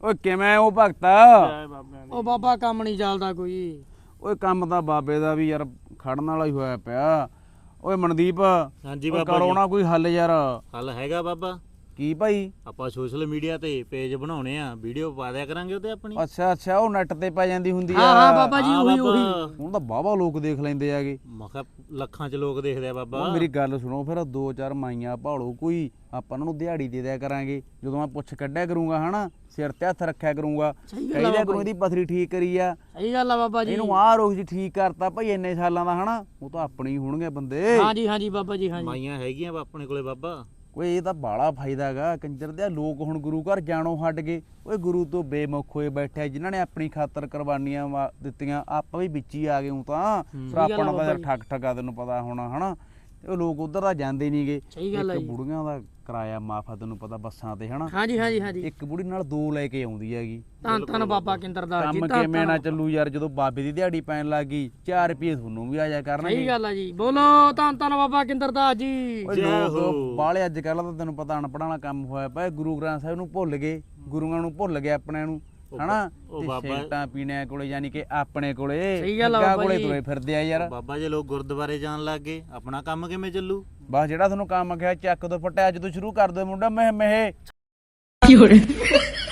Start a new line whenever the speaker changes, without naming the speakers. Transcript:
ਓਏ ਕਿਵੇਂ ਉਹ ਭਗਤਾ?
ਉਹ ਬਾਬਾ ਕੰਮ ਨਹੀਂ ਚੱਲਦਾ ਕੋਈ।
ਓਏ ਕੰਮ ਤਾਂ ਬਾਬੇ ਦਾ ਵੀ ਯਾਰ ਖੜਨ ਵਾਲਾ ਹੀ ਹੋਇਆ ਪਿਆ। ਓਏ ਮਨਦੀਪ,
ਹਾਂਜੀ ਬਾਬਾ
ਕਰੋ ਨਾ ਕੋਈ ਹੱਲ ਯਾਰ।
ਹੱਲ ਹੈਗਾ ਬਾਬਾ।
ਕੀ ਭਾਈ?
ਆਪਾਂ ਸੋਸ਼ਲ ਮੀਡੀਆ ਤੇ ਪੇਜ ਬਣਾਉਣੇ ਆ, ਵੀਡੀਓ ਪਾ ਦਿਆ ਕਰਾਂਗੇ ਉਹਤੇ ਆਪਣੀ।
ਅੱਛਾ ਉਹ ਨੈਟ ਤੇ ਪੈ ਜਾਂਦੀ ਹੁੰਦੀ ਆ।
ਹਾਂ ਬਾਬਾ ਜੀ, ਉਹੀ
ਹੁਣ ਤਾਂ ਬਾਬਾ ਲੋਕ ਦੇਖ ਲੈਂਦੇ ਆਗੇ।
ਮੈਂ ਕਿਹਾ ਲੱਖਾਂ ਚ ਲੋਕ ਦੇਖਦੇ ਆ ਬਾਬਾ।
ਮੇਰੀ ਗੱਲ ਸੁਣੋ, ਫਿਰ 2-4 ਮਾਈਆਂ ਭਾਲੋ ਕੋਈ, ਆਪਾਂ ਉਹਨਾਂ ਨੂੰ ਦਿਹਾੜੀ ਦੇ ਦਿਆ ਕਰਾਂਗੇ। ਜਦੋਂ ਮੈਂ ਪੁੱਛ ਕੱਢਿਆ ਕਰੂੰਗਾ ਹਨਾ, ਸਿਰ ਤੇ ਹੱਥ ਰੱਖਿਆ ਕਰੂੰਗਾ, ਕਹਿੰਦਾ ਕਰੂੰ ਇਹਦੀ ਪਥਰੀ ਠੀਕ ਕਰੀ ਆ।
ਸਹੀ ਗੱਲ ਆ ਬਾਬਾ ਜੀ।
ਇਹਨੂੰ ਆਹ ਰੋਗ ਜੀ ਠੀਕ ਕਰਤਾ ਭਾਈ, ਇੰਨੇ ਸਾਲਾਂ ਦਾ ਹਨਾ, ਉਹ ਤਾਂ ਆਪਣੇ ਹੀ ਹੋਣਗੇ ਬੰਦੇ।
ਹਾਂਜੀ ਬਾਬਾ ਜੀ, ਹਾਂਜੀ।
ਮਾਈਆਂ ਹੈਗੀਆਂ ਆਪਣੇ ਕੋਲੇ ਬਾਬਾ।
ਓਏ ਇਹ ਤਾਂ ਬਾਲਾ ਫਾਇਦਾ ਹੈਗਾ ਕੰਜਰ ਦੇ। ਲੋਕ ਹੁਣ ਗੁਰੂ ਘਰ ਜਾਣੋਂ ਹਟ ਗਏ। ਓਏ ਗੁਰੂ ਤੋਂ ਬੇਮੁਖ ਹੋਏ ਬੈਠੇ, ਜਿਨ੍ਹਾਂ ਨੇ ਆਪਣੀ ਖਾਤਰ ਕੁਰਬਾਨੀਆਂ ਦਿੱਤੀਆਂ। ਆਪਾਂ ਵੀ ਵਿੱਚ ਹੀ ਆ ਗਏ। ਤਾਂ ਫਿਰ ਆਪਣਾ ਤਾਂ ਯਾਰ ਠੱਗ ਠੱਗਾ ਤੈਨੂੰ ਪਤਾ ਹੋਣਾ ਹਨਾ। ਉਹ ਲੋਕ ਉਧਰ ਤਾਂ ਜਾਂਦੇ ਨਹੀਂਗੇ। ਇੱਕ ਬੁੜੀਆਂ ਦਾ ਕਿਰਾਇਆ ਮਾਫ ਆ ਤੈਨੂੰ ਪਤਾ ਬੱਸਾਂ ਤੇ ਹਨਾ।
ਹਾਂਜੀ
ਇੱਕ ਬੁੜੀ ਨਾਲ 2 ਲੈ ਕੇ ਆਉਂਦੀ ਹੈਗੀ।
ਧੰਨ ਬਾਬਾ ਕਿੰਦਰਦਾਸ ਜੀ।
ਕੰਮ ਕਿਵੇਂ ਨਾ ਚੱਲੂ ਯਾਰ, ਜਦੋਂ ਬਾਬੇ ਦੀ ਦਿਹਾੜੀ ਪੈਣ ਲੱਗ ਗਈ 4 ਰੁਪਏ ਤੁਹਾਨੂੰ ਵੀ ਆ ਜਾ ਕਰਨਗੇ।
ਸਹੀ ਗੱਲ ਆ ਜੀ। ਬੋਲੋ ਧੰਨ ਬਾਬਾ ਕਿੰਦਰਦਾਸ ਜੀ।
ਲੋਕ ਬਾਲੇ ਅੱਜ ਕੱਲ੍ਹ ਤਾਂ ਤੈਨੂੰ ਪਤਾ ਅਨਪੜ੍ਹਾਂ ਵਾਲਾ ਕੰਮ ਹੋਇਆ ਪਿਆ। ਗੁਰੂ ਗ੍ਰੰਥ ਸਾਹਿਬ ਨੂੰ ਭੁੱਲ ਗਏ, ਗੁਰੂਆਂ ਨੂੰ ਭੁੱਲ ਗਏ ਆਪਣਿਆਂ ਨੂੰ ਹਨਾ। ਸਿਗਰਟਾਂ ਪੀਣੇ ਕੋਲੇ ਯਾਨੀ ਕਿ ਆਪਣੇ ਕੋਲੇ ਕੋਲੇ ਤੁਰੇ ਫਿਰਦੇ ਆ ਯਾਰ।
ਬਾਬਾ ਜੇ ਲੋਕ ਗੁਰਦੁਆਰੇ ਜਾਣ ਲੱਗ ਗਏ, ਆਪਣਾ ਕੰਮ ਕਿਵੇਂ ਚੱਲੂ?
ਬਸ ਜਿਹੜਾ ਤੁਹਾਨੂੰ ਕੰਮ ਕਿਹਾ ਚੱਕ ਤੋਂ ਫਟਿਆ, ਅੱਜ ਤੋਂ ਸ਼ੁਰੂ ਕਰ ਦੋ ਮੁੰਡਾ। ਮੈਂ